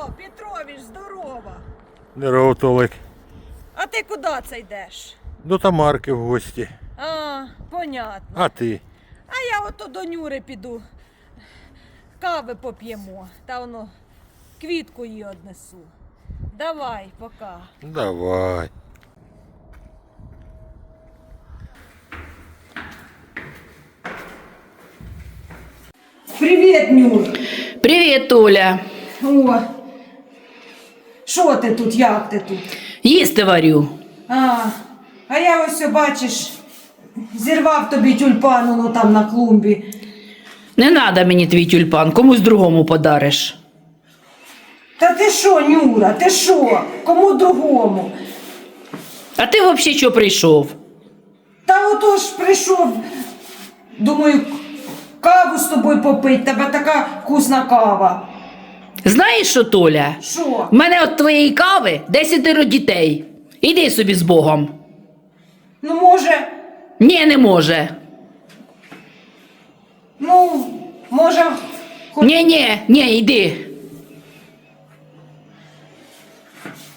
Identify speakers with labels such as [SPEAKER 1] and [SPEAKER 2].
[SPEAKER 1] Петрович, здорова.
[SPEAKER 2] Здорово, Толик.
[SPEAKER 1] А ти куди це йдеш?
[SPEAKER 2] До Тамарки в гості.
[SPEAKER 1] А, понятно.
[SPEAKER 2] А ти?
[SPEAKER 1] А я ото до Нюри піду. Кави поп'ємо. Та воно квітку їй однесу. Давай, пока.
[SPEAKER 2] Давай.
[SPEAKER 1] Привіт, Нюр.
[SPEAKER 3] Привіт, Оля.
[SPEAKER 1] О, що ти тут, як ти тут?
[SPEAKER 3] Їсти варю.
[SPEAKER 1] А я ось, бачиш, зірвав тобі тюльпану, ну там на клумбі.
[SPEAKER 3] Не надо мені твій тюльпан, комусь другому подариш.
[SPEAKER 1] Та ти що, Нюра, ти що? Кому другому?
[SPEAKER 3] А ти взагалі що прийшов?
[SPEAKER 1] Та ото ж прийшов, думаю, каву з тобою попить, тебе така вкусна кава.
[SPEAKER 3] Знаєш що, Толя?
[SPEAKER 1] Що?
[SPEAKER 3] В мене від твоєї кави 10 дітей. Іди собі з Богом.
[SPEAKER 1] Ну, може,
[SPEAKER 3] Ні, не може.
[SPEAKER 1] може,
[SPEAKER 3] Ні, йди.